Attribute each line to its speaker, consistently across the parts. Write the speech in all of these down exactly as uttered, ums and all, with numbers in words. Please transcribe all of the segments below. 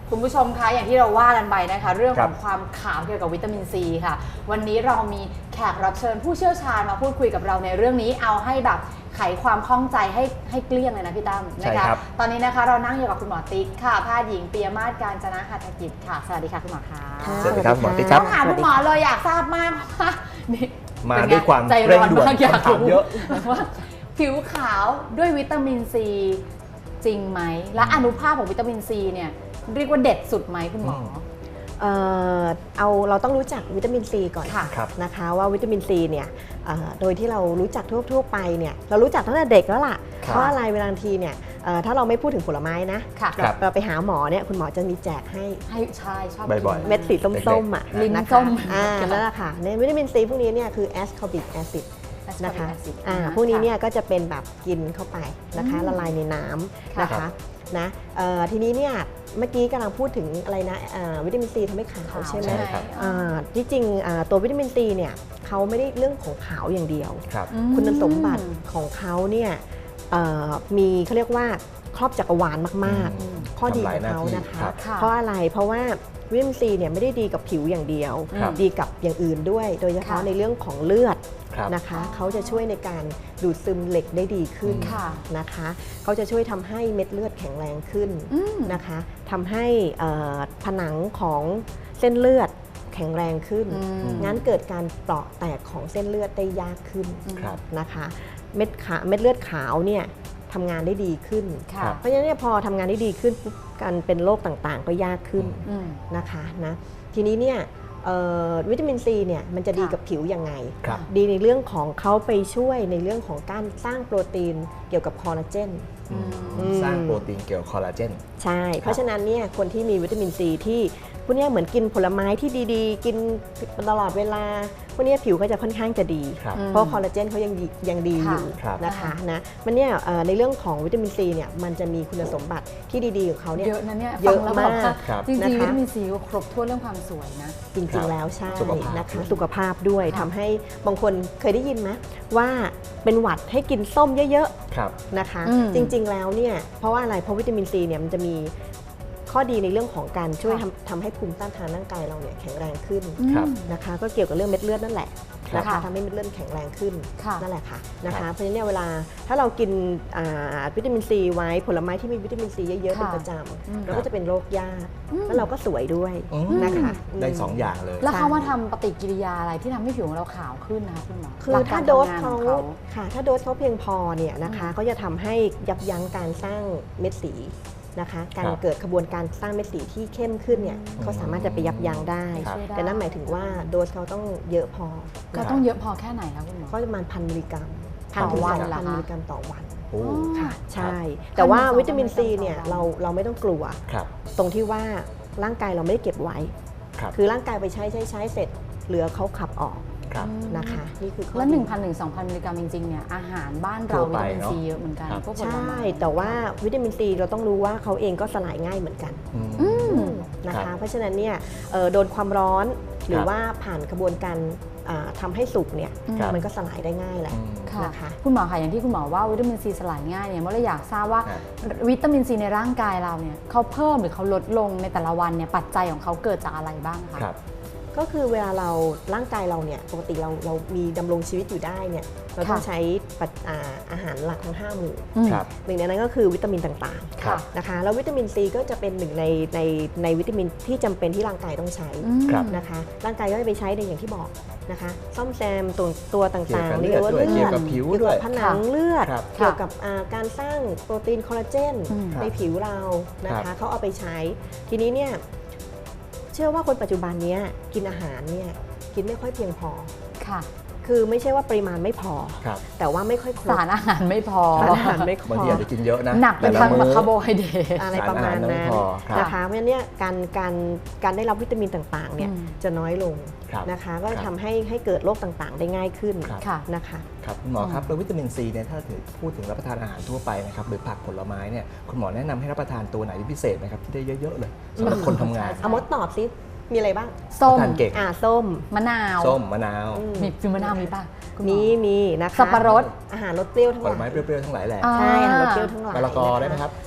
Speaker 1: คุณผู้ชมคะอย่างที่เราว่ากันไปนะคะเรื่องของความขาวเกี่ยวกับวิตามินซีค่ะวันนี้เรามีแขกรับเชิญผู้เชี่ยวชาญมาพูดคุยกับเราในเรื่องนี้เอาให้แบบไขความข้องใจให้ให้เกลี้ยงเลยนะพี่ตั้มนะคะตอนนี้นะคะเรานั่งอยู่กับคุณหมอติ๊กค่ะแพทย์หญิงปิยมาศการจนะหัตถกิจค่ะสวัสดีค่ะคุณหมอคะ
Speaker 2: สวัสดีครับหมอติ๊กครับ
Speaker 1: ต้องถามคุณหมอเลยอยากทราบมากว่า
Speaker 2: มาด้วยความเร่งด่วน
Speaker 1: อยาก
Speaker 2: รู้เยอะ
Speaker 1: ว่าผิวขาวด้วยวิตามินซีจริงไหมและอนุภาคของวิตามินซีเนี่ยเรียกว่าเด็ดสุดไหมคุณหมอ
Speaker 3: เอ่อเอาเราต้องรู้จักวิตามินซีก่อนนะคะว่าวิตามินซีเนี่ยโดยที่เรารู้จักทั่วๆไปเนี่ยเรารู้จักตั้งแต่เด็กแล้วล่ะเพราะอะไรเวลาทีเนี่ยถ้าเราไม่พูดถึงผลไม้นะเราไปหาหมอเนี่ยคุณหมอจะมีแจกให้
Speaker 1: ให้ใช่ชอบ
Speaker 2: บ่อยๆ
Speaker 3: เม็ดสีส้มๆอ่ะ
Speaker 1: ลิ้นส้ม
Speaker 3: อ่านั่นแหละค่ะในวิตามินซีพวกนี้เนี่ยคือแอสคอบิกแอซิดนะคะอ่าพวกนี้เนี่ยก็จะเป็นแบบกินเข้าไปนะคะละลายในน้ำนะคะนะทีนี้เนี่ยเมื่อกี้กำลังพูดถึงอะไรนะวิตามินซีทำให้ขาวใช่ไหมที่จริงตัววิตามินซีเนี่ยเขาไม่ได้เรื่องของขาวอย่างเดียวคุณสมบัติของเขาเนี่ยมีเขาเรียกว่าครอบจักรวาลมากๆข้อดีของเขานะคะเพราะอะไรเพราะว่าวิตามินซีเนี่ยไม่ได้ดีกับผิวอย่างเดียวดีกับอย่างอื่นด้วยโดยเฉพาะในเรื่องของเลือดนะคะเขาจะช่วยในการดูดซึมเหล็กได้ดีขึ้นนะคะเขาจะช่วยทำให้เม็ดเลือดแข็งแรงขึ้นนะคะทำให้ผนังของเส้นเลือดแข็งแรงขึ้นงั้นเกิดการเปราะแตกของเส้นเลือดได้ยากขึ้นนะคะเม็ดขาเม็ดเลือดขาวเนี่ยทำงานได้ดีขึ้นเพราะฉะนั้นเนี่ยพอทำงานได้ดีขึ้นการเป็นโรคต่างๆก็ยากขึ้นนะคะนะทีนี้เนี่ยวิตามินซีเนี่ยมันจะดีกับผิวยังไงดีในเรื่องของเขาไปช่วยในเรื่องของการสร้างโปรตีนเกี่ยวกับคอลลาเจน
Speaker 2: สร้างโปรตีนเกี่ยวกับคอลลาเจน
Speaker 3: ใช่เพราะฉะนั้นเนี่ยคนที่มีวิตามินซีที่พวกนี้เหมือนกินผลไม้ที่ดีๆกินตลอดเวลาพวกนี้ผิวก็จะค่อนข้างจะดีเพราะคอลลาเจนเขายังยังดีอยู่นะคะนะมันเนี่ยในเรื่องของวิตามินซีเนี่ยมันจะมีคุณสมบัติที่ดีๆของเขาเนี่ย
Speaker 1: เยอะนะเนี่ย
Speaker 3: เยอะมาก
Speaker 1: จริงๆวิตามินซีก็ครบถ้วนเรื่องความสวยนะ
Speaker 3: จริงๆแล้วใช่นะคะสุขภาพด้วยทำให้บางคนเคยได้ยินไหมว่าเป็นหวัดให้กินส้มเยอะๆนะคะจริงๆแล้วเนี่ยเพราะว่าอะไรเพราะวิตามินซีเนี่ยมันจะมีข้อดีในเรื่องของการช่วยทำทำให้ภูมิต้านทานร่างกายเราเนี่ยแข็งแรงขึ้นนะคะก็เกี่ยวกับเรื่องเม็ดเลือดนั่นแหละนะคะทำให้เม็ดเลือดแข็งแรงขึ้นนั่นแหละค่ะนะคะเพราะฉะนั้นเวลาถ้าเรากินวิตามินซีไว้ผลไม้ที่มีวิตามินซีเยอะๆเป็นประจำเราก็จะเป็นโรคยากแล้วเราก็สวยด้วยนะคะ
Speaker 2: ได้สองอย่างเลย
Speaker 1: แล้วเขามาทำปฏิกิริยาอะไรที่ทำให้ผิวของเราขาวขึ้นนะคะคุณหมอ
Speaker 3: คือถ้าโดสเขาค่ะถ้าโดสเขาเพียงพอเนี่ยนะคะก็จะทำให้ยับยั้งการสร้างเม็ดสีนะคะการเกิดกระบวนการสร้างเม็ดสีที่เข้มขึ้นเนี่ยเขาสามารถจะไปยับยั้งได้แต่นั่นหมายถึงว่าโดสเขาต้องเยอะพอ
Speaker 1: ก็ต้องเยอะพอแค่ไหนคะคุณหมอ
Speaker 3: ก็ประมาณพันมิลลิกรัมพันถึงสองพันมิลลิกรัมต่อวันค่ะใช่แต่ว่าวิตามินซีเนี่ยเราเราไม่ต้องกลัวตรงที่ว่าร่างกายเราไม่ได้เก็บไว้คือร่างกายไปใช้ใช้ใช้เสร็จเหลือเขาขับออกนะคะนี่คือ
Speaker 1: แล้ว หนึ่งพันถึงสองพัน มิลลิกรัมจริงๆเนี่ยอาหารบ้านเราวิตามินซีเยอะเหมือนกันพวกผลไม้
Speaker 3: ใช่แต่ว่าวิตามินซีเราต้องรู้ว่าเขาเองก็สลายง่ายเหมือนกันนะคะเพราะฉะนั้นเนี่ยโดนความร้อนหรือว่าผ่านกระบวนการทำให้สุกเนี่ยมันก็สลายได้ง่ายแหละนะคะ
Speaker 1: คุณหมอค่ะอย่างที่คุณหมอว่าวิตามินซีสลายง่ายเนี่ยเมื่อเราอยากทราบว่าวิตามินซีในร่างกายเราเนี่ยเขาเพิ่มหรือเขาลดลงในแต่ละวันเนี่ยปัจจัยของเขาเกิดจากอะไรบ้างคะ
Speaker 3: ก็คือเวลาเราร่างกายเราเนี่ยปกติเราเรามีดำรงชีวิตอยู่ได้เนี่ยเราต้องใช้อาหารหลักทั้งห้าหมู่หนึ่งในนั้นก็คือวิตามินต่างๆนะคะแล้ววิตามินซีก็จะเป็นหนึ่งในในในวิตามินที่จำเป็นที่ร่างกายต้องใช้นะคะร่างกายก็จะไปใช้ในอย่างที่บอกนะคะซ่อมแซมตัวตัวต่างๆ
Speaker 2: เกี่ยวกับเลือดเกี่ยวกับผิวด้วย
Speaker 3: ผนังเลือดเกี่ยวกับการสร้างโปรตีนคอลลาเจนในผิวเรานะคะเขาเอาไปใช้ทีนี้เนี่ยเชื่อว่าคนปัจจุบันนี้กินอาหารเนี่ยกินไม่ค่อยเพียงพอค่ะคือไม่ใช่ว่าปริมาณไม่พอแต่ว่าไม่ค่อยครบ
Speaker 1: สารอาหารไม่พอ
Speaker 3: สารอาหารไม่พอบ
Speaker 2: างทีอาจจะกินเยอะนะ
Speaker 1: หนักเป็นทางคาร์โบไฮเดรต
Speaker 3: อะไรประมาณนั้นนะคะเพราะฉะนั้นเนี่ยการการการได้รับวิตามินต่างๆเนี่ยจะน้อยลงนะคะก็ทำให้ให้เกิดโรคต่างๆได้ง่ายขึ้นนะคะ
Speaker 2: ครับคุณหมอครับแล้ววิตามินซีเนี่ยถ้าพูดถึงรับประทานอาหารทั่วไปนะครับหรือผักผลไม้เนี่ยคุณหมอแนะนำให้รับประทานตัวไหนพิเศษไหมครับที่ได้เยอะๆเลยสำหรับคนทำงาน
Speaker 3: เอามดตอบซิมีอะไรบ้าง
Speaker 1: ส้ม
Speaker 3: อ่าส้ม
Speaker 1: มะนาว
Speaker 2: ส้มมะนาว
Speaker 1: มีฟิมมะนาวมีป่ะ
Speaker 3: มีมีนะคะ
Speaker 1: สับปะรด
Speaker 3: อาหารรสเปรี้ยวทั้งหลาย
Speaker 2: ผลไม้เปรี้ยวๆทั้งหลายแหละ
Speaker 3: ใช่อาหารรสเปรี้ยวทั้งหลาย
Speaker 2: มะละกอได้ไหมครับ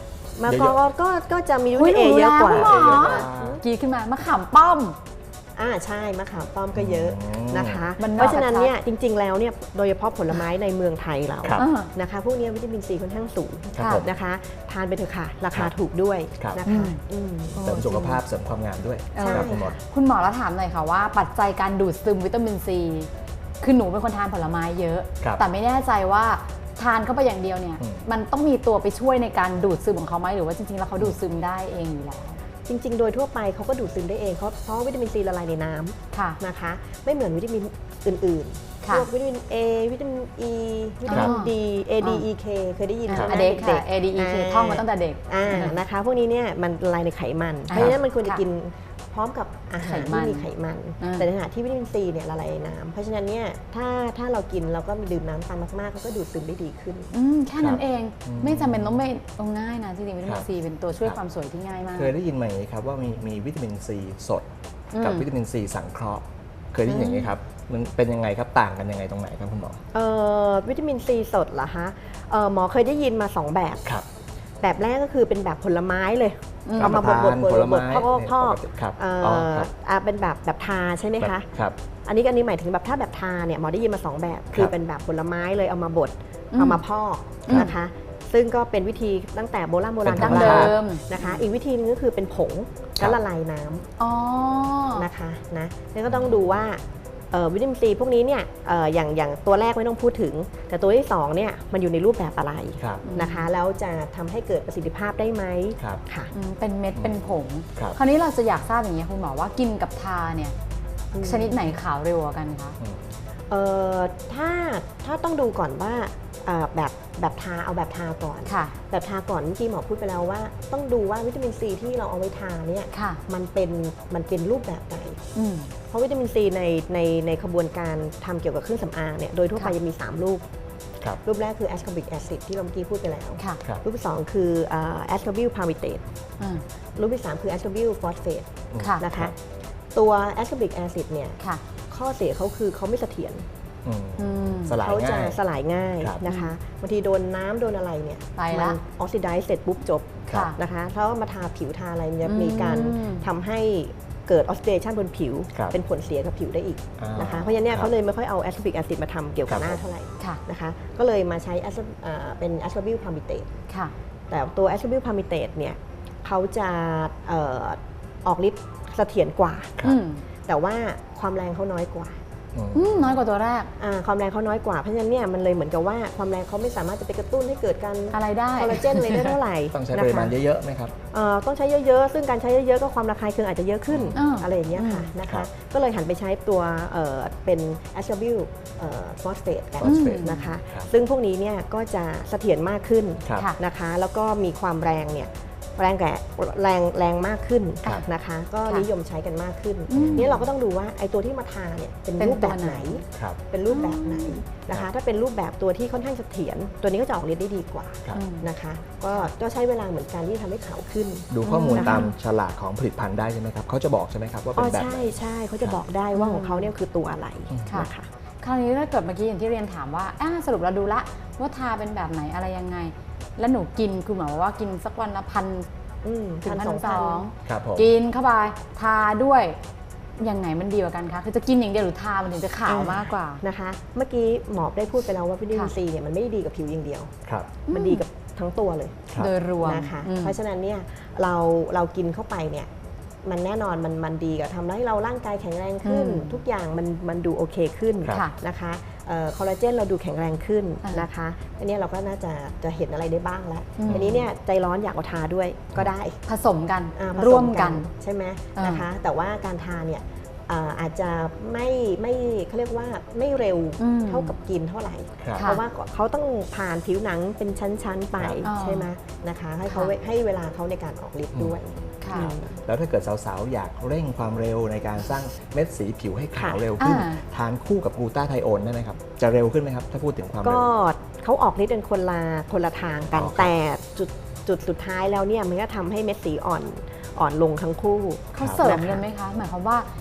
Speaker 3: มะกอกก็ก็จะมีวิ
Speaker 1: อุ๊ย
Speaker 3: ตามิน
Speaker 1: หนู
Speaker 3: เอเยอะกว่า
Speaker 1: รู้แล้วคุณหมอ
Speaker 2: เยอะกว่า
Speaker 1: กรีดขึ้นมามะขามป้อม
Speaker 3: อ่าใช่มะขามป้อมก็เยอะ
Speaker 2: อืม
Speaker 3: นะคะ
Speaker 1: มันนอก
Speaker 3: เพราะฉะนั้น
Speaker 1: ชัดๆ
Speaker 3: เนี่ยจริง ๆ แล้วเนี่ยโดยเฉพาะผลไม้ในเมืองไทยเรา
Speaker 2: ครับ
Speaker 1: อ่า
Speaker 3: นะคะพวกนี้วิตามินซีค่อนข้างสูง
Speaker 2: ครับผม
Speaker 3: นะคะทานไปเถอะค่ะ ราคา
Speaker 2: ครับ
Speaker 3: ถูกด้วย
Speaker 2: ครับ
Speaker 3: นะคะอืม
Speaker 2: เสริมสุขภาพเสริมความงามด้วย
Speaker 1: เออ
Speaker 2: ครับคุณหมอ
Speaker 1: คุณหมอแล้วถามหน่อยค่ะว่าปัจจัยการดูดซึมวิตามินซีคือหนูเป็นคนทานผลไม้เยอะ
Speaker 2: ครับ
Speaker 1: แต่ไม่แน่ใจว่าทานเข้าไปอย่างเดียวเนี่ย
Speaker 2: อืม
Speaker 1: มันต้องมีตัวไปช่วยในการดูดซึมของเขาไหมหรือว่าจริงๆแล้วเขาดูดซึมได้เองอยู่แล้ว
Speaker 3: จริง ๆ โดยทั่วไปเขาก็ดูดซึมได้เองเพราะเพราะวิตามินซีละลายในน้ำ
Speaker 1: ค่ะ
Speaker 3: นะคะ ไม่เหมือนวิตามินอื่นๆ
Speaker 1: ค่ะ
Speaker 3: พวกวิตามิน A วิตามิน E วิตามิน
Speaker 1: อ๋อ
Speaker 3: D A D E K เคยได้ยิน
Speaker 1: อ่า
Speaker 3: ใช่ไหม
Speaker 1: เด็กค่ะ
Speaker 3: ๆ
Speaker 1: เอ ดี อี เค ท่องมาตั้งแต่เด็ก
Speaker 3: อ่านะคะพวกนี้เนี่ยมันละลายในไขมัน เพ
Speaker 1: อ่า
Speaker 3: ราะฉะนั้นมันควรจะ
Speaker 1: ค่ะ
Speaker 3: กินพร้อมกับอาหาร
Speaker 1: ไขมัน
Speaker 3: ที่มีไขมัน
Speaker 1: อ่า
Speaker 3: แต่ในขณะที่วิตามินซีเนี่ยละลายในน้ำเพราะฉะนั้นเนี่ยถ้าถ้าเรากินเราก็ดื่มน้ำตามมากๆเขาก็ดูดซึมได้ดีขึ้น
Speaker 1: อืมแค่นั้นเอง
Speaker 2: อืม
Speaker 1: ไม่จำเป็นต้องไม่ต้องง่ายนะจริงๆวิตามิ
Speaker 2: ครั
Speaker 1: น
Speaker 2: บ
Speaker 1: ซีเป็นตัวช่วย
Speaker 2: ครับ
Speaker 1: ความสวยที่ง่ายมาก
Speaker 2: เคยได้ยินไหมครับว่ามีมีวิตามินซีสด กับ
Speaker 1: อืม
Speaker 2: วิตามินซีสังเคราะห์เคยได้ยินอย่างนี้ครับมันเป็นยังไงครับต่างกันยังไงตรงไหนครับคุณหมอ
Speaker 3: เอ่อวิตามินซีสดเหรอคะเอ่อหมอเคยได้ยินมาสองแบบ
Speaker 2: ครับ
Speaker 3: แบบแรกก็คือเป็นแบบผลไม้เลย
Speaker 1: อืม
Speaker 3: เอามาบดบดบด
Speaker 2: ผล
Speaker 3: บ
Speaker 2: ไม้
Speaker 3: ดพอกพอก
Speaker 2: เนี่ยปกติครับ
Speaker 3: เอ่
Speaker 2: อ๋อ
Speaker 3: อ
Speaker 2: ครับ
Speaker 3: อ่าเป็นแบบแบบทาใช่ไหมคะ
Speaker 2: ครับ
Speaker 3: อันนี้อันนี้หมายถึงแบบถ้าแบบทาเนี่ยหมอได้ยินมาสองแบบ คือเป็นแบบผลไม้เลยเอามาบด
Speaker 1: อืม
Speaker 3: เอามาพอก
Speaker 1: อืม
Speaker 3: นะคะ ซึ่งก็เป็นวิธีตั้งแต่โบราณโบราณ
Speaker 2: เป็น
Speaker 1: ดั้ง
Speaker 3: ของ
Speaker 1: เดิ
Speaker 3: เรา
Speaker 1: ม
Speaker 3: นะคะ อีกวิธีนึงก็คือเป็นผง
Speaker 2: ครั
Speaker 3: แล้ว
Speaker 2: บ
Speaker 3: ละลายน้ำ
Speaker 1: อ๋อ
Speaker 3: นะคะนะแล้วก็ต้องดูว่าเอ่อวิตามินซีพวกนี้เนี่ยเอ่ออย่างอย่างตัวแรกไม่ต้องพูดถึง แต่ตัวที่สองเนี่ยมันอยู่ในรูปแบบอะไร
Speaker 2: ครับ
Speaker 3: นะคะแล้วจะทำให้เกิดประสิทธิภาพได้ไหม
Speaker 2: ครับ
Speaker 3: ค่ะ
Speaker 1: อืมเป็นเม็ดเป็นผง
Speaker 2: ครับ
Speaker 1: คราวนี้เราจะอยากทราบอย่างนี้ยคุณหมอว่ากินกับทาเนี่ย
Speaker 3: อืม
Speaker 1: ชนิดไหนขาวเร็วกว่ากันคะ
Speaker 2: อืม
Speaker 3: เอ่อถ้าถ้าต้องดูก่อนว่าเอ่อแบบแบบทาเอาแบบทาก่อน
Speaker 1: ค่ะ
Speaker 3: แบบทาก่อนเมื่อกี้หมอพูดไปแล้วว่า ต้องดูว่าวิตามินซีที่เราเอาไว้ทาเนี่ย
Speaker 1: ค่ะ
Speaker 3: มันเป็นมันเป็นรูปแบบไหน
Speaker 1: อืม
Speaker 3: เพราะวิตามินซีในในในขบวนการทำเกี่ยวกับเครื่องสำอางเนี่ยโดยทั่วไป
Speaker 1: ค่ะ
Speaker 3: จะมี สาม รูป
Speaker 2: ครับ
Speaker 3: รูปแรกคือแอสคอบิกแอซิดที่เราเมื่อกี้พูดไปแล้ว
Speaker 1: ค่ะ
Speaker 2: ครับ
Speaker 3: รูปที่สองคือแอสคอบิลพาริเตต
Speaker 1: อืม
Speaker 3: รูปที่สามคือแอสคอบิลฟอสเฟต
Speaker 1: ค่ะ
Speaker 3: นะคะตัวแอสคอบิกแอซิดเนี่ย
Speaker 1: ค่ะ
Speaker 3: ข้อเสียเขาคือเขาไม่เสถียร
Speaker 2: อืม
Speaker 1: อืม
Speaker 2: สลาย
Speaker 3: เขาจะ
Speaker 2: ง่าย
Speaker 3: สลายง่าย
Speaker 2: ครับ
Speaker 3: นะคะบางทีโดนน้ำโดนอะไรเนี่ย
Speaker 1: ไปละ
Speaker 3: มันออกซิไดซ์เสร็จปุ๊บจบ
Speaker 1: ค่ะ
Speaker 3: นะคะถ้ามาทาผิวทาอะไรมันจะ
Speaker 1: อืม
Speaker 3: มีการทำให้เกิดออกซิเดชันบนผิว
Speaker 2: ครับ
Speaker 3: เป็นผลเสียกับผิวได้อีก
Speaker 2: อ่าน
Speaker 3: นะคะเพราะฉะนั้นเนี่ย
Speaker 2: ครับ
Speaker 3: เขาเลยไม่ค่อยเอาแอสคอบิกแอซิดมาทำเกี่ยวกับ
Speaker 2: ครับ
Speaker 3: หน้าเท่าไหร่
Speaker 1: ค่ะ
Speaker 3: นะคะก็เลยมาใช้แอสเอ่อเป็นแอสคอบิลพาริเตต
Speaker 1: ค่ะ
Speaker 3: แต่ตัวแอสคอบิลพาริเตตเนี่ยเขาจะเอ่อออกฤทธิ์เสถียรกว่า
Speaker 2: ครับ
Speaker 1: อืม
Speaker 3: แต่ว่าความแรงเขาน้อยกว่า
Speaker 2: อืม
Speaker 1: อืมน้อยกว่าตัวแรก
Speaker 3: อ่าความแรงเขาน้อยกว่าเพราะฉะนั้นเนี่ยมันเลยเหมือนกับว่าความแรงเขาไม่สามารถจะไปกระตุ้นให้เกิดการ
Speaker 1: อะไรได้
Speaker 3: คอลลาเจนอะไรได้เท่าไหร่
Speaker 2: ต้องใช้
Speaker 3: นะ
Speaker 2: ป
Speaker 3: คะ
Speaker 2: ริมาณเยอะๆไหมครับ
Speaker 3: เอ่อต้องใช้เยอะๆ ซึ่งการใช้เยอะๆ ก็ความระคายเคืองอาจจะเยอะขึ้น
Speaker 1: อ่า
Speaker 3: อะไรอย่างเงี้ยค่ะ
Speaker 1: อืม
Speaker 3: นะ
Speaker 2: ครั
Speaker 3: คะ
Speaker 2: บ
Speaker 3: ก็เลยหันไปใช้ตัวเอ่อเป็นแอสคอบิลฟอสเฟตกัน
Speaker 2: phosphate
Speaker 3: นะคะ
Speaker 2: ครับ
Speaker 3: ซึ่งพวกนี้เนี่ยก็จะเสถียรมากขึ้น
Speaker 2: ครับ
Speaker 1: ค่ะ
Speaker 3: นะคะ แล้วก็มีความแรงเนี่ยแรงแก่แรงแรงมากขึ้น
Speaker 2: ครับ
Speaker 3: นะคะ ก็
Speaker 1: ค่ะ
Speaker 3: นิยมใช้กันมากขึ้น
Speaker 1: อืม
Speaker 3: นี่เราก็ต้องดูว่าไอ้ตัวที่มาทาเนี่ยเป็น
Speaker 1: เป็น
Speaker 3: รูปแบบ
Speaker 1: ตัวไห
Speaker 3: ไห
Speaker 1: น
Speaker 3: น
Speaker 2: ครับ
Speaker 3: เป็นรูปแบบไหนนะคะ ถ้าเป็นรูปแบบตัวที่ค่อนข้างเสถียรตัวนี้ก็จะออกฤทธิ์ได้ดีกว่า
Speaker 2: ครับ
Speaker 1: อืม
Speaker 3: นะคะ ก็ก็ใช้เวลาเหมือนกันที่ทำให้ขาวขึ้น
Speaker 2: ดูข้อมูล
Speaker 3: นะคะ
Speaker 2: ตามฉลากของผลิตภัณฑ์ได้ใช่ไหมครับเขาจะบอกใช่ไหมครับว่า
Speaker 3: อ๋
Speaker 2: เป็
Speaker 3: อน
Speaker 2: แบบ
Speaker 3: ใช่
Speaker 2: ไหน
Speaker 3: ใช่เขาจะบอกได้ว่าของเขาเนี่ยคือตัวอะไร
Speaker 1: ค่ะ
Speaker 3: นะคะ
Speaker 1: คราวนี้ถ้าเกิดเมื่อกี้อย่างที่เรียนถามว่าอ่าสรุปเราดูละว่าทาเป็นแบบไหนอะไรยังไง แล้วหนูกินคือหมายว่ากินสักวันละพัน
Speaker 3: อืม
Speaker 1: ถึงพัน
Speaker 3: สอง
Speaker 1: ส
Speaker 3: พัน
Speaker 1: อง
Speaker 2: ครับผม
Speaker 1: กินเข้าไปทาด้วยยังไงมันดีกว่ากันคะคือจะกินอย่างเดียวหรือทามันถึงจะขาวมากกว่า
Speaker 3: นะคะ เมื่อกี้หมอได้พูดไปแล้วว่าวิตามิน
Speaker 1: ค่ะ
Speaker 3: ซีเนี่ยมันไม่ได้ดีกับผิวอย่างเดียว
Speaker 2: ครับ
Speaker 3: มันดีกับทั้งตัวเลย
Speaker 2: ครับ
Speaker 1: โดยรวม
Speaker 3: นะคะ
Speaker 1: อืม
Speaker 3: เพราะฉะนั้นเนี่ยเราเรากินเข้าไปเนี่ยมันแน่นอนมันมันดีกับทำให้เราร่างกายแข็งแรงขึ้น
Speaker 1: อืม
Speaker 3: ทุกอย่างมันมันดูโอเคขึ้น
Speaker 2: ครับ
Speaker 1: ค่ะ
Speaker 3: นะคะเอ่อคอลลาเจนเราดูแข็งแรงขึ้น
Speaker 1: อ่าน
Speaker 3: นะคะอันนี้เราก็น่าจะจะเห็นอะไรได้บ้างแล้ว
Speaker 1: อืม
Speaker 3: อันนี้เนี่ยใจร้อนอยากเอาทาด้วยก็ได้
Speaker 1: ผสมกัน
Speaker 3: อ่าผส
Speaker 1: ร่วมกัน
Speaker 3: ใช่ไหม
Speaker 1: อ่าน
Speaker 3: นะคะ แต่ว่าการทานเนี่ยอ่าอาจจะไม่ไม่เขาเรียกว่าไม่เร็ว
Speaker 1: อืม
Speaker 3: เท่ากับกินเท่าไหร่
Speaker 2: ครับ
Speaker 1: ค่ะ
Speaker 3: เพราะว่าเขาต้องผ่านผิวหนังเป็นชั้นๆไป
Speaker 1: ครับ
Speaker 3: ใช่ไหมนะคะให้เขา
Speaker 1: ค่ะ
Speaker 3: ให้เวลาเขาในการออกฤทธิ์ด้วย
Speaker 1: ค่ะ
Speaker 3: อืม
Speaker 2: แล้วถ้าเกิดสาวๆ อยากเร่งความเร็วในการสร้างเม็ดสีผิวให้ขาว
Speaker 3: ค่ะ
Speaker 2: เร็วขึ้น
Speaker 1: อ่า
Speaker 2: ทานคู่กับกลูตาไทโอนได้ไหมครับ จะเร็วขึ้นไหมครับ ถ้าพูดถึงความ
Speaker 3: ก็
Speaker 2: เร็ว
Speaker 3: เขาออกฤทธิ์เป็นคนละคนละทางกัน
Speaker 2: อ๋อครับ
Speaker 3: แต่จุดจุดสุดท้ายแล้วเนี่ยมันก็ทำให้เม็ดสีอ่อนอ่อนลงทั้งคู่
Speaker 1: เขาเสริม
Speaker 3: นะคะ
Speaker 1: กันไหมคะ หมายความว่า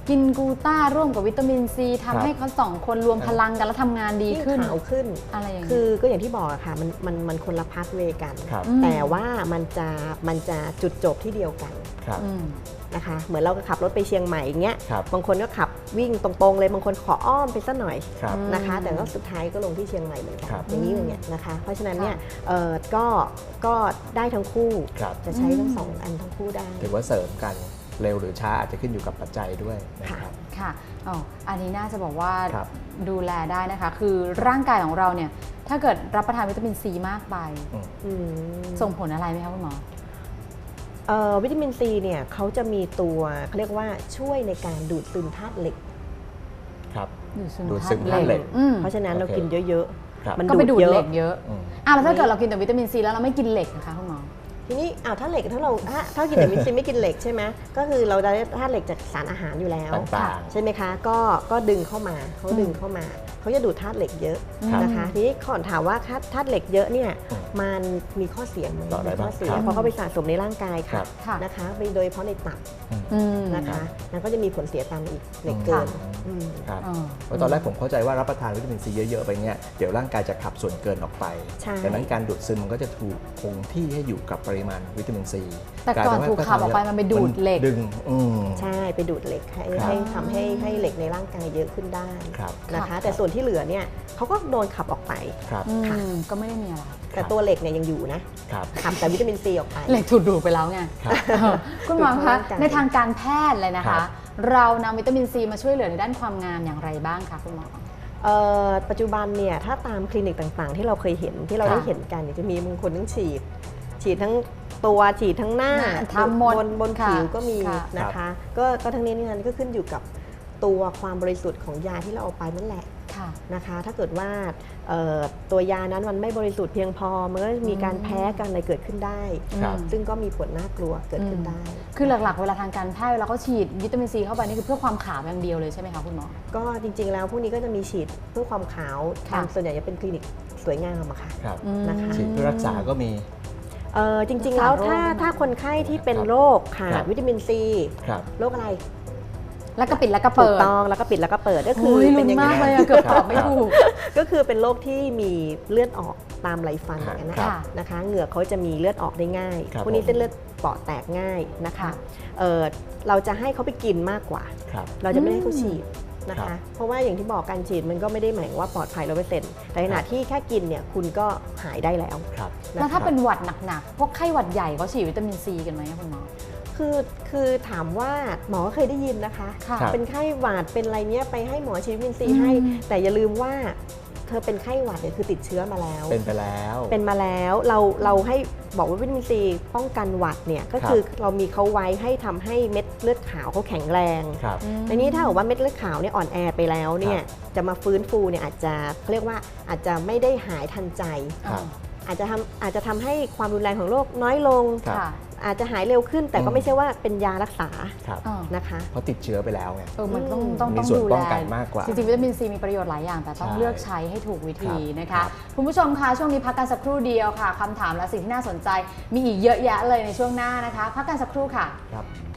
Speaker 1: กินกลูต้าร่วมกับวิตามินซี
Speaker 2: ครับ
Speaker 1: ทำให้เขาสองคนรวมพลังกันแล้วทำงานดีขึ้น
Speaker 3: ขาวขึ้น
Speaker 1: อะไรอย่าง
Speaker 3: คื
Speaker 1: เงี้ย
Speaker 3: อก็อย่างที่บอกอะค่ะมันมันมันคนละพาสเวย์กัน
Speaker 2: ครับ
Speaker 1: อืม
Speaker 3: แต่ว่ามันจะมันจะจุดจบที่เดียวกัน
Speaker 2: ครับ
Speaker 1: อืม
Speaker 3: นะคะเหมือนเราก็ขับรถไปเชียงใหม่อย่างเงี้ย
Speaker 2: ครับ
Speaker 3: บางคนก็ขับวิ่งตรงๆเลยบางคนขออ้อมไปสักหน่อย
Speaker 2: ครับ
Speaker 3: นะคะ
Speaker 1: อืม
Speaker 3: แต่ก็สุดท้ายก็ลงที่เชียงใหม่เหมือนกัน
Speaker 2: ครับ
Speaker 3: อย่างนี้อย่างเงี้ยนะคะเพราะฉะนั้นเนี่ย
Speaker 1: ค่ะ
Speaker 3: เอ่อก็ก็ได้ทั้งคู่
Speaker 2: ครับ
Speaker 3: จะใช้ทั้
Speaker 1: อื
Speaker 3: ง
Speaker 1: ม
Speaker 3: สองอันทั้งคู่ได้
Speaker 2: ถือว่าเสริมกันเร็วหรือช้าอาจจะขึ้นอยู่กับปัจจัยด้วยนะครับ
Speaker 1: ค่ะอ๋ออันนี้น่าจะบอกว่า
Speaker 2: ครับ
Speaker 1: ดูแลได้นะคะ คือร่างกายของเราเนี่ย ถ้าเกิดรับประทานวิตามินซีมากไป
Speaker 2: อืม
Speaker 3: อืม
Speaker 1: ส่งผลอะไรไหมคะคุณหมอ
Speaker 3: เอ่อวิตามินซีเนี่ยเขาจะมีตัวเขาเรียกว่าช่วยในการดูดซึมธาตุเหล็ก
Speaker 2: ครับ
Speaker 1: ดูดซึม
Speaker 2: ดูดซึมธาตุเหล็ก
Speaker 1: อืม
Speaker 3: เพราะฉะนั้นเรา
Speaker 2: โอเค
Speaker 3: กินเยอะ
Speaker 2: ครับ
Speaker 3: ๆ มัน
Speaker 1: ก็ไปดูด
Speaker 3: เย
Speaker 1: เหล็
Speaker 3: อะ
Speaker 1: กเยอะ
Speaker 2: อืม
Speaker 1: อ่ะแล้วถ้าเกิดเรากินแต่วิตามินซีแล้วเราไม่กินเหล็กนะคะคุณหมอ
Speaker 3: ทีนี้อ้าวถ้าเหล็กถ้าเราถ้าถ้ากินแต่วิตามินซีไม่กินเหล็กใช่ไหมก็คือเราได้ธาตุเหล็กจากสารอาหารอยู่แล้ว
Speaker 2: ต่าง
Speaker 3: ใช่ไหมคะก็ก็ดึงเข้ามาเขาดึงเข้ามาเขาจะดูดธาตุเหล็กเยอะ
Speaker 2: ครับ
Speaker 3: นะคะทีนี้ก่อนถามว่าธาตุธาตุเหล็กเยอะเนี่ย
Speaker 2: อืม
Speaker 3: มันมีข้อเสียไหม
Speaker 2: ต่อได้
Speaker 3: มีข้อเสีย
Speaker 2: บ้างครับ
Speaker 3: เพราะเขาไปสะสมในร่างกาย
Speaker 2: ครั
Speaker 3: ค่ะ
Speaker 2: บ
Speaker 1: ค่ะ
Speaker 3: นะคะไปโดยเฉพาะในตับ
Speaker 1: อืม
Speaker 3: นะคะนั่นก็จะมีผลเสียตามมาอีกเหล็กเกิน
Speaker 2: ค่ะ
Speaker 3: อืม
Speaker 2: ครับ
Speaker 1: อ๋อ
Speaker 2: เพราะตอนแรกผมเข้าใจว่ารับประทานวิตามินซีเยอะๆไปเนี่ยเดี๋ยวร่างกายจะขับส่วนเกินออกไป
Speaker 3: ใช่
Speaker 2: ดังนั้นการดูดซึมมันก็จะถูกคงที่ให้อยู่กับปริมาณวิตามินซี
Speaker 1: แต่ก่อนถูกขับออกไปมันไปดูดเหล็ก
Speaker 2: ดึงอืม
Speaker 3: ใช่ไปดูดเหล็กให้
Speaker 2: ครับ
Speaker 3: ให้ทำให้ให้เหล็กในร่างกายเยอะขึ้นได้
Speaker 2: ครับ
Speaker 3: นะคะ
Speaker 1: ค่ะ
Speaker 3: แต่ส่วนที่เหลือเนี่ยเขาก็โดนขับออกไป
Speaker 2: ครับ
Speaker 1: อื
Speaker 3: ค่ะ
Speaker 1: มก็ไม่ได้มีอะไร
Speaker 3: แต่ตัวเหล็กเนี่ยยังอยู่นะครับ ขับแต่วิตามินซีออกไป
Speaker 1: เหล็กถูกดูดไปแล้วไง
Speaker 2: ครับ
Speaker 1: เออคุณหมอ
Speaker 3: ดูด
Speaker 1: คะ
Speaker 3: เข้าร่างกาย
Speaker 1: ในทางการแพทย์เลยนะ
Speaker 2: ครั
Speaker 1: คะ
Speaker 2: บ
Speaker 1: เรานำวิตามินซีมาช่วยเหลือในด้านความงามอย่างไรบ้างคะคุณหมอ
Speaker 3: เอ่อปัจจุบันเนี่ยถ้าตามคลินิกต่างๆ ที่เราเคยเห็นที่เรา
Speaker 1: ค่ะ
Speaker 3: ได้เห็นกันเนี่ยจะมีบางคนทั้งฉีด ฉีดทั้งตัวฉีดทั้งหน้า
Speaker 1: หน้าทำหมด
Speaker 3: บนบน
Speaker 1: ค่ะ
Speaker 3: ผิวก็มี
Speaker 1: ค่ะ
Speaker 3: นะคะก็ก็ทั้งนี้นี่นั้นก็ขึ้นอยู่กับตัวความบริสุทธิ์ของยาที่เราเอาไปนั่นแหละ
Speaker 1: ค่ะ
Speaker 3: นะคะถ้าเกิดว่าเอ่อตัวยานั้นมันไม่บริสุทธิ์เพียงพอมันก็มีการแพ้กันอะไรเกิดขึ้นได้
Speaker 2: ครับ
Speaker 3: ซึ่งก็มีผลน่ากลัวเกิดขึ้นได้
Speaker 1: คือหลักๆ เวลาทางการแพทย์เวลาเขาฉีดวิตามินซีเข้าไปนี่คือเพื่อความขาวอย่างเดียวเลยใช่ไหมคะคุณหมอ
Speaker 3: ก็จริงๆแล้วพวกนี้ก็จะมีฉีดเพื่อความขาว
Speaker 1: ค่ะ
Speaker 3: ทางส่วนใหญ่จะเป็นคลินิกสวยงามอะค่ะ
Speaker 2: ครับ
Speaker 1: อืม
Speaker 3: นะคะ
Speaker 2: ฉีดเพื่อรักษาก็มี
Speaker 3: เอ่อจริงๆแล้ว
Speaker 1: รักษาโรค
Speaker 3: ถ้า
Speaker 1: ด้วยนะ
Speaker 3: ถ้าคนไข้ที่เป็น
Speaker 2: ครับ
Speaker 3: โรคขา
Speaker 2: ครั
Speaker 3: ด
Speaker 2: บ
Speaker 3: วิตามินซี
Speaker 2: ครับ
Speaker 3: โรคอะไร
Speaker 1: แล้วก็ปิดแล้วก็
Speaker 3: ถู
Speaker 1: เปิ
Speaker 3: ก
Speaker 1: ด
Speaker 3: ต้องแล้วก็ปิดแล้วก็เปิดก็คื
Speaker 1: โอ้
Speaker 3: อย เป็
Speaker 1: ลุ้
Speaker 3: น
Speaker 1: น
Speaker 3: อย่าง
Speaker 1: มาก
Speaker 3: นี้
Speaker 1: เลยอะเกือบตอบไม่ถูก
Speaker 3: ก็คือเป็นโรคที่มีเลือดออกตามไหลฟัน
Speaker 2: ค
Speaker 3: อ
Speaker 2: รับ
Speaker 3: ย่างนั้น
Speaker 1: ค่ะ
Speaker 3: นะคะนะคะเหงือกเขาจะมีเลือดออกได้ง่าย
Speaker 2: ครับ
Speaker 3: พวกนี้
Speaker 2: ผม
Speaker 3: เส้นเลือดเปราะแตกง่ายนะคะ
Speaker 1: ค่ะ
Speaker 3: เอ่อเราจะให้เขาไปกินมากกว่า
Speaker 2: ครับ
Speaker 3: เราจะไม่ให้เขาฉีดนะ
Speaker 2: ครั
Speaker 3: คะ
Speaker 2: บ
Speaker 3: เพราะว่าอย่างที่บอกการฉีดมันก็ไม่ได้หมายว่าปลอดภัยร้อยเปอร์เซ็นต์แต่ขณะที่แค่กินเนี่ยคุณก็หายได้แล้ว
Speaker 2: ครับ
Speaker 1: แล้วถ้าเป็นหวัดหนักๆ พวกไข้หวัดใหญ่เขาฉีดวิตามินซีกันไหมคะคุณหมอ
Speaker 3: คือคือถามว่าหมอเคยได้ยินนะคะ
Speaker 1: ค่ะ
Speaker 2: ครับ
Speaker 3: เป็นไข้หวัดเป็นอะไรเนี้ยไปให้หมอฉีดวิตามินซี
Speaker 1: อืม
Speaker 3: ให้ แต่อย่าลืมว่าเธอเป็นไข้หวัดเนี่ยคือติดเชื้อมาแล้ว
Speaker 2: เป็นไปแล้ว
Speaker 3: เป็นมาแล้วเราเราให้บอกว่าวิตามินซีป้องกันหวัดเนี่ยก็คือเรามีเขาไว้ให้ทำให้เม็ดเลือดขาวเขาแข็งแรง
Speaker 2: ครับ
Speaker 3: ทีนี้ถ้าบอกว่าเม็ดเลือดขาวเนี่ยอ่อนแอไปแล้วเนี่ยจะมาฟื้นฟูเนี่ยอาจจะเขาเรียกว่าอาจจะไม่ได้หายทันใจ
Speaker 2: ครับ
Speaker 3: อาจจะทำอาจจะทำให้ความรุนแรงของโรคน้อยลง
Speaker 2: ครับ
Speaker 1: ค่ะ
Speaker 3: อาจจะหายเร็วขึ้น แต่ก็
Speaker 2: อืม
Speaker 3: ไม่ใช่ว่าเป็นยารักษา
Speaker 2: ครับ
Speaker 1: อ่า
Speaker 3: นะคะ
Speaker 2: เพราะติดเชื้อไปแล้วไง
Speaker 1: เออมันต้อง
Speaker 3: อืม
Speaker 1: ต้อง
Speaker 2: มี
Speaker 1: ต้อง
Speaker 2: ส่วน
Speaker 1: ดู
Speaker 2: ป้
Speaker 1: แล
Speaker 2: องกันมากกว่า
Speaker 1: จริงๆวิตามินซีมีประโยชน์หลายอย่างแต่ต้อง
Speaker 2: ใช่
Speaker 1: เลือกใช้ให้ถูกวิธี
Speaker 2: ครับ
Speaker 1: นะ
Speaker 2: ครั
Speaker 1: คะ
Speaker 2: บ
Speaker 1: คุณผู้ชมคะช่วงนี้พักกันสักครู่เดียวค่ะคำถามและสิ่งที่น่าสนใจมีอีกเยอะแยะเลยในช่วงหน้านะคะ พักกันสักครู่ค่ะ
Speaker 2: ครับ